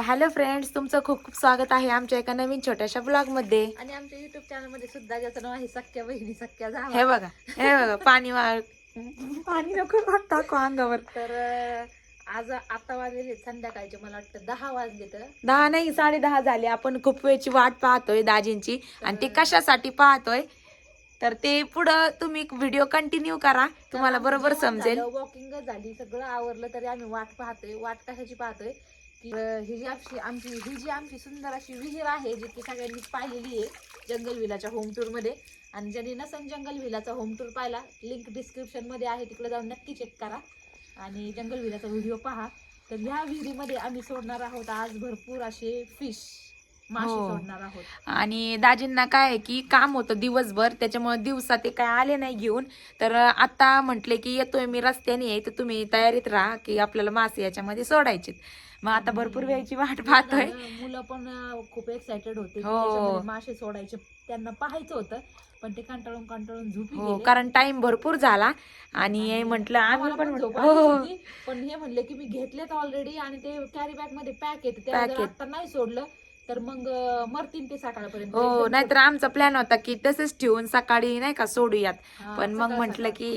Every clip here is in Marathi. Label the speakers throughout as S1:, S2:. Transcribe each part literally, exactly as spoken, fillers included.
S1: हॅलो फ्रेंड्स, तुमचं खूप खूप स्वागत आहे आमच्या एका नवीन छोट्याशा ब्लॉग मध्ये.
S2: आणि आमच्या युट्यूब चॅनल मध्ये सुद्धा ज्याचं नाव आहे सख्या बहिणी सख्या जावा.
S1: हे बघा हे बघा पाणी वाळ पाणी नको टाकू अंगावर.
S2: तर अं, आज आता वाजले संध्याकाळचे मला वाटतं दहा वाजले. तर
S1: दहा नाही साडे दहा झाले. आपण खूप वेळची वाट पाहतोय दाजींची आणि ते कशासाठी पाहतोय तर ते पुढं तुम्ही व्हिडिओ कंटिन्यू करा, तुम्हाला बरोबर समजेल.
S2: वॉकिंग झाली, सगळं आवरलं तरी आम्ही वाट पाहतोय. वाट कशाची पाहतोय की अं, ही जी आमची आमची ही जी आमची सुंदर अशी विहीर आहे जी की सगळ्यांनी पाहिलेली आहे जंगल विलाच्या होम टूर मध्ये. आणि ज्यांनी नसन जंगल विलाचा होम टूर पाहिला, लिंक डिस्क्रिप्शन मध्ये आहे, तिकडे जाऊन नक्की चेक करा आणि जंगल विलाचा व्हिडिओ पहा. तर ह्या विहिरीमध्ये आम्ही सोडणार आहोत आज भरपूर असे फिश मासे सोडणार आहोत.
S1: आणि दाजींना काय आहे की काम होतं दिवसभर, त्याच्यामुळे दिवसा ते काय आले नाही घेऊन. तर आता म्हटले की येतोय मी रस्त्याने आहे, तर तुम्ही तयारीत राहा की आपल्याला मासे याच्यामध्ये सोडायचे. मग आता भरपूर वेळची वाट पाहतोय.
S2: मुलं पण खूप एक्साइटेड होते की
S1: हो.
S2: याच्यामध्ये मासे सोडायचे, त्यांना पाहायचं होतं, पण ते कंटाळून कंटाळून झोपी
S1: हो,
S2: गेले.
S1: कारण टाइम भरपूर झाला आणि म्हटलं आम्ही पण
S2: झोप
S1: हो
S2: आलीच होती. पण हे म्हणले की मी घेतलेत ऑलरेडी आणि ते कॅरी बॅग मध्ये पॅक येते, त्या जर आता नाही सोडलं तर मग मरतील ते सकाळपर्यंत.
S1: हो, नाहीतर आमचा प्लॅन होता की तसंच ठेवून सकाळी नाही का सोडूयात. पण मग म्हटलं की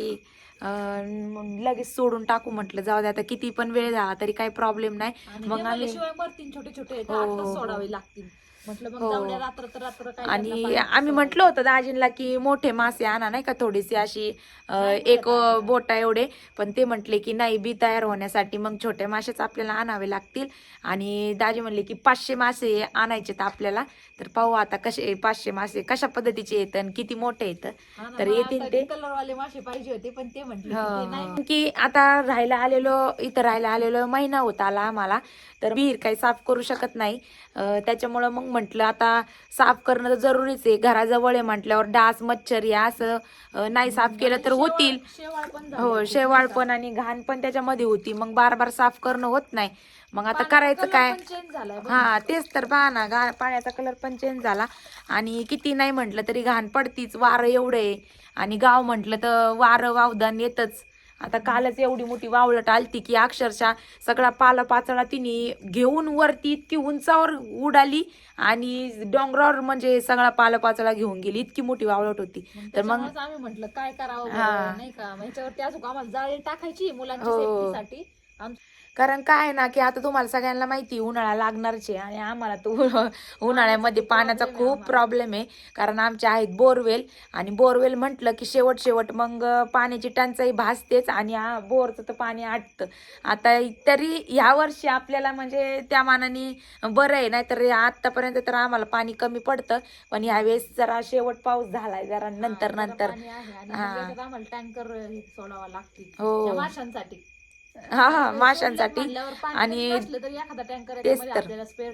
S1: अं, लगेच सोडून टाकू, म्हटलं जाऊ दे आता किती पण वेळ झाला तरी काही प्रॉब्लेम नाही. मग आम्ही
S2: शिवाय मरतील, छोटे छोटे आता सोडावे लागतील. म्हटलं मग जाऊ द्या, रात्र तर रात्र काय.
S1: आणि आम्ही म्हटलं होतं दाजींना की मोठे मासे आणा नाही का, थोडेसे अशी एक बोटा एवढे. पण ते म्हटले की नाही, बी तयार होण्यासाठी मग छोटे मासेच आपल्याला आणावे लागतील. आणि दाजी म्हणले की पाचशे मासे आणायचे तर आपल्याला. तर पाहू आता कसे पाचशे मासे कशा पद्धतीचे येत आणि किती मोठे येत. तर येतील ते
S2: कलरवाले मासे पाहिजे होते, पण ते म्हटले
S1: की आता राहायला आलेलो इथं राहायला आलेलो महिना होत आला आम्हाला, तर विहीर काही साफ करू शकत नाही. त्याच्यामुळं मग म्हटलं आता साफ करणं तर जरुरीच आहे, घराजवळ आहे म्हटल्यावर डास मच्छर या असं नाही साफ केलं तर होतील. हो, शेवाळ पण आणि घाण पण त्याच्यामध्ये होती, मग बार बार साफ करणं होत नाही. मग आता करायचं काय. हा तेच तर, पहा ना, घाण पाण्याचा कलर पण चेंज झाला आणि किती नाही म्हटलं तरी घाण पडतीच. वारं एवढं आहे आणि गाव म्हटलं तर वारं वावदान येतच. आता कालच एवढी मोठी वावळट आलती की अक्षरशः सगळा पाला पाचळा तिने घेऊन वरती इतकी उंचावर उडाली आणि डोंगरावर म्हणजे सगळा पाला पाचळा घेऊन गेली, इतकी मोठी वावळट होती. तर मग
S2: आम्ही म्हटलं काय करावं नाही का, ह्याच्यावरती अजून आम्हाला जाळी टाकायची मुलांच्या सेफ्टीसाठी.
S1: कारण काय ना की आता तुम्हाला सगळ्यांना माहिती उन्हाळा लागणारच आहे आणि आम्हाला तो उन्हाळ्यामध्ये पाण्याचा खूप प्रॉब्लेम आहे. कारण आमचे आहेत बोरवेल आणि बोरवेल म्हटलं की शेवट शेवट मग पाण्याची टंचाई भासतेच आणि बोरचं तर पाणी आटतं. आता तरी ह्या वर्षी आपल्याला म्हणजे त्या मानाने बरं आहे, नाहीतर आतापर्यंत तर आम्हाला पाणी कमी पडतं. पण यावेळेस जरा शेवट पाऊस झालाय जरा नंतर नंतर
S2: आम्हाला टँकर सोडावा लागतील माशांसाठी.
S1: हा हा माशांसाठी. आणि तेच तर,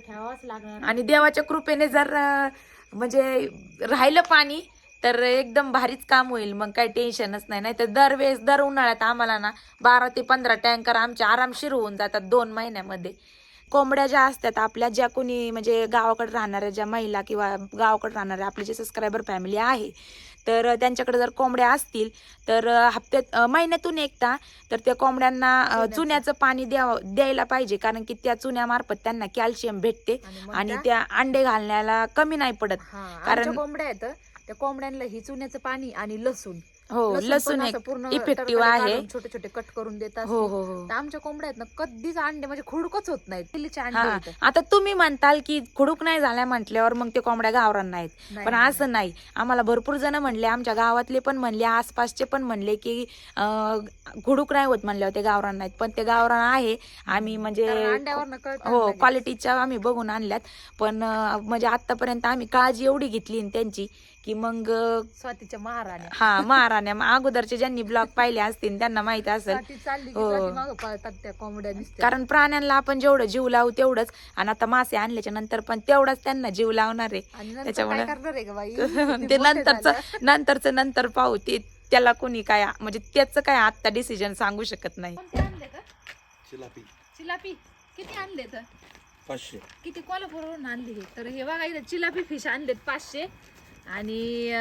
S1: आणि देवाच्या कृपेने जर म्हणजे राहिलं पाणी तर एकदम भारीच काम होईल, मग काही टेन्शनच नाही. नाही तर दरवेळेस दर उन्हाळ्यात आम्हाला ना बारा ते पंधरा टँकर आमचे आरामशीर होऊन जातात दोन महिन्यामध्ये. कोंबड्या ज्या असतात आपल्या, ज्या कोणी म्हणजे गावाकडे राहणाऱ्या ज्या महिला किंवा गावाकडे राहणाऱ्या आपले जे सबस्क्रायबर फॅमिली आहे, तर त्यांच्याकडे जर कोंबड्या असतील तर हप्त्यात महिन्यातून एकदा तर त्या कोंबड्यांना चुन्याचं पाणी द्याव द्यायला पाहिजे. कारण की त्या चुन्यामार्फत त्यांना कॅल्शियम भेटते आणि त्या अंडे घालण्याला कमी नाही पडत. कारण
S2: कोंबड्या आहेत त्या कोंबड्यांना ही चुन्याचं पाणी आणि लसूण,
S1: हो लसूण एक इफेक्टिव्ह आहे,
S2: छोटे छोटे कट करून देतात.
S1: हो हो हो.
S2: आमच्या कोंबड्या आहेत ना कधीच अंडे म्हणजे खुडकच होत नाहीत.
S1: आता तुम्ही म्हणताल की खुडूक नाही झाल्या म्हटल्यावर मग ते कोंबड्या गावरान नाहीत, पण असं नाही. आम्हाला भरपूर जण म्हणले, आमच्या गावातले पण म्हणले, आसपासचे पण म्हणले की खुडूक नाही होत म्हणल्यावर ते गावरान नाहीत. पण ते गावरान आहे. आम्ही म्हणजे हो क्वालिटीच्या आम्ही बघून आणल्यात. पण म्हणजे आतापर्यंत आम्ही काळजी एवढी घेतली त्यांची की मग
S2: स्वातीच्या महाराण्या,
S1: हा महाराण्या अगोदरचे ज्यांनी ब्लॉग पाहिले असतील त्यांना माहित असेल. कारण प्राण्यांना आपण जेवढं जीव लावू तेवढंच, आणि आता मासे आणल्याच्या नंतर पण तेवढाच त्यांना जीव लावणार आहे. त्याच्यामुळे ते नंतरच नंतरच नंतर पाहू. ते त्याला कोणी काय म्हणजे त्याचं काय आता डिसिजन सांगू शकत नाही.
S2: चिलापी चिलापी किती आणले तर पाचशे, किती कोल्हापूरवरून आणले हे. तर हे बघा इथे चिलापी फिश आणलेत पाचशे आणि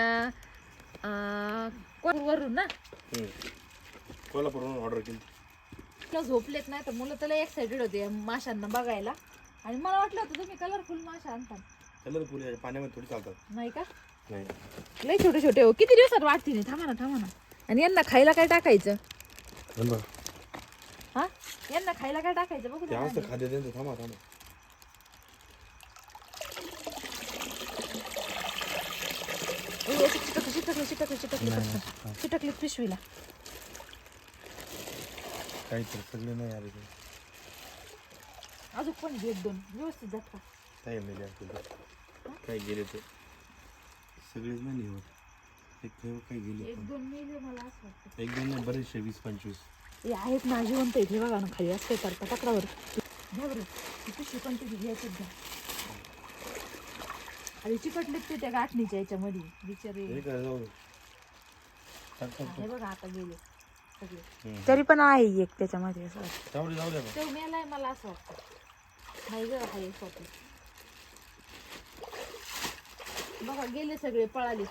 S2: वरून ना कोल्हापूरवरून ऑर्डर केली. झोपलेत नाही तर मुलं त्याला एक्साइटेड होते माशांना बघायला. आणि मला वाटलं होतं तुम्ही कलरफुल मासे आणता.
S3: कलरफुल आहे पाण्यामध्ये थोडी चालतात.
S2: नाही का?
S3: नाही
S2: लय छोटे छोटे हो. किती दिवसात वाढतील हे? थांबा ना थांबा ना. आणि यांना खायला काय टाकायचं? हा यांना खायला काय टाकायचं बघू
S3: ते
S2: द्या.
S3: असं खाद्य त्यांचं. थांबा थांबा.
S2: ओ, चिटकलं चिटकलं चिटकलं चिटकलं पटकन. चिटकलं पिशवीला.
S3: काही तर सगळे नाही आले ते.
S2: अजून पण एक दोन व्यवस्थित जात का?
S3: काही मेले असतील काही गेले ते सगळेच नाही होत. एक काही काही गेले
S2: एक
S3: पण.
S2: दोन मेले मला असं वाटतं.
S3: एक दोन नाही बरेचशे वीस पंचवीस.
S2: हे आहेत ना जिवंत आहेत. हे बघा ना खाली असते करता पकडावर. घ्या बरं ती पिशवी पण तिथे घ्यायचं घ्या. अरे चिकटलेत ते त्या गाठणीच्या याच्यामध्ये बिचारे.
S3: हे काय जाऊ दे. टाक, टाक,
S2: हे बघा आता गेले सगळे.
S3: हम्म.
S1: तरी पण आहे एक त्याच्यामध्ये असं वाटतं.
S3: जाऊ दे जाऊ दे बा.
S2: तो मेलाय मला असं वाटतं. नाही ग आहे स्वतः. बघा गेले सगळे पळाले.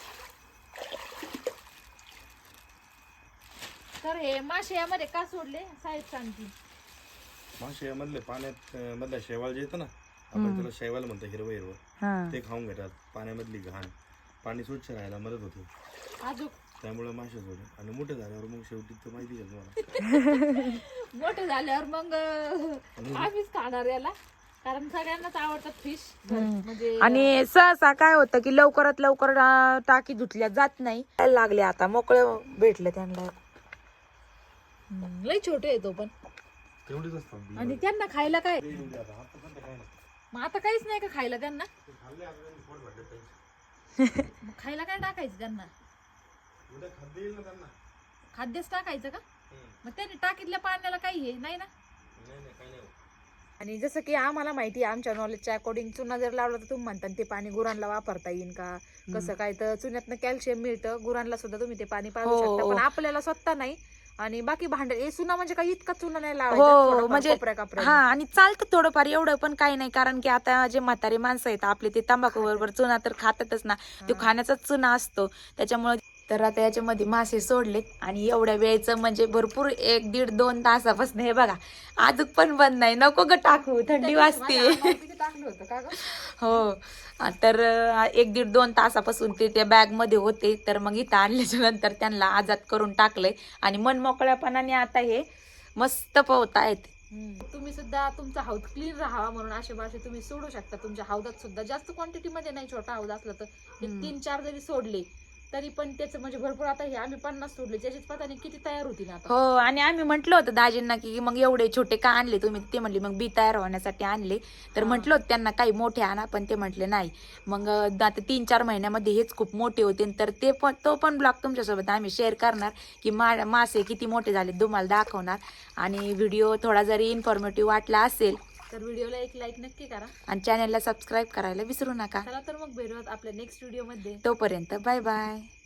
S2: तर हे मासे यामध्ये का सोडले साहेब सांगतील.
S3: मासे मधले पाण्यात अं, मधल्या शेवाळ जे येतं ना आपण त्याला शेवाळ म्हणतो हिरवं हिरवं
S1: हा
S3: ते खाऊन घेतात. पाण्यामधली घाण पाणी स्वच्छ राहायला मदत होते
S2: अजून
S3: त्यामुळे मासे सोडे. आणि मोठे झाल्यावर मग शेवटी तर माहिती आहे तुम्हाला.
S2: मोठे झाल्यावर मग अं, आम्हीच खाणार याला. कारण सगळ्यांनाच आवडतात फिश म्हणजे.
S1: आणि सहसा काय होतं की लवकरात लवकर अं, टाकी धुतल्या जात नाही. लागले आता मोकळे भेटले त्यांना.
S2: हम्म, लय छोटे आहे तो पण.
S3: तेवढेच असतात.
S2: आणि त्यांना खायला काय?
S3: ते येऊन द्या आता. आता सध्या काय नाही.
S2: मग आता काहीच नाही का खायला त्यांना?
S3: ते खाल्ले आता त्यांनी पोट भरले त्यांचे.
S2: मग खायला काय टाकायचं त्यांना?
S3: उद्या खाद्य येईल ना त्यांना.
S2: खाद्यच टाकायचं का?
S3: हम्म.
S2: मग त्यांनी टाकीतल्या पाण्याला काही हे नाही ना.
S3: नाही नाही काही नाही होत.
S1: आणि जसं की आम्हाला माहिती आहे आमच्या नॉलेजच्या अकॉर्डिंग चुना जर लावला तर तुम्ही म्हणता ते पाणी गुरांना वापरता येईल का कसं काय. तर चुन्यातनं कॅल्शियम मिळतं गुरांना सुद्धा. तुम्ही ते पाणी पाजू हो, शकता हो.
S2: हो.
S1: पण आपल्याला स्वतः नाही. आणि बाकी भांडे हे चुना म्हणजे काही इतका चुना नाही
S2: हो,
S1: लावायचा.
S2: म्हणजे-
S1: म्हणजे
S2: हा आणि चालतं थोडंफार एवढं पण काही नाही. कारण की आता जे म्हातारे माणसं आहेत आपले ते तंबाखू बरोबर चुना तर खातातच ना. तो खाण्याचाच चुना असतो त्याच्यामुळे. तर आता याच्यामध्ये मासे सोडलेत आणि एवढ्या वेळेचं म्हणजे भरपूर एक दीड दोन तासापासून हे बघा अजून पण बंद नाही. नको ग टाकू थंडी वाजते. टाकलं होतं का ग?
S1: हो तर अं, एक दीड दोन तासापासून ते त्या बॅग मध्ये होते. तर मग इथं आणल्याच्या नंतर त्यांना आजाद करून टाकलंय आणि मन मोकळ्यापणाने आता हे मस्त पोहतायत.
S2: तुम्ही सुद्धा तुमचा हौद क्लीन राहावा म्हणून असे मासे तुम्ही सोडू शकता तुमच्या हौदात सुद्धा. जास्त क्वांटिटी मध्ये नाही. छोटा हौद असला तर एक
S1: हम्म.
S2: तीन चार जरी सोडले तरी पण त्याचं म्हणजे भरपूर. आता हे आम्ही पन्नास सोडले त्याच्यात पता नाही किती तयार होती ना आता.
S1: हो आणि आम्ही म्हटलं होतं दाजींना की मग एवढे छोटे का आणले तुम्ही. ते म्हणले मग बी तयार होण्यासाठी आणले. तर
S2: हा.
S1: म्हटलं होतं त्यांना काही मोठे आणा पण ते म्हटले नाही. मग अं, आता तीन चार महिन्यामध्ये हेच खूप मोठे होते. तर ते पण तो पण ब्लॉग तुमच्यासोबत आम्ही शेअर करणार की मा मासे किती मोठे झाले तुम्हाला दाखवणार. आणि व्हिडिओ थोडा जरी इन्फॉर्मेटिव्ह वाटला असेल
S2: तर व्हिडिओला एक लाईक नक्की करा.
S1: आणि चॅनलला सबस्क्राईब करायला विसरू नका.
S2: चला तर मग भेटूयात आपल्या नेक्स्ट व्हिडिओ मध्ये.
S1: तोपर्यंत बाय बाय.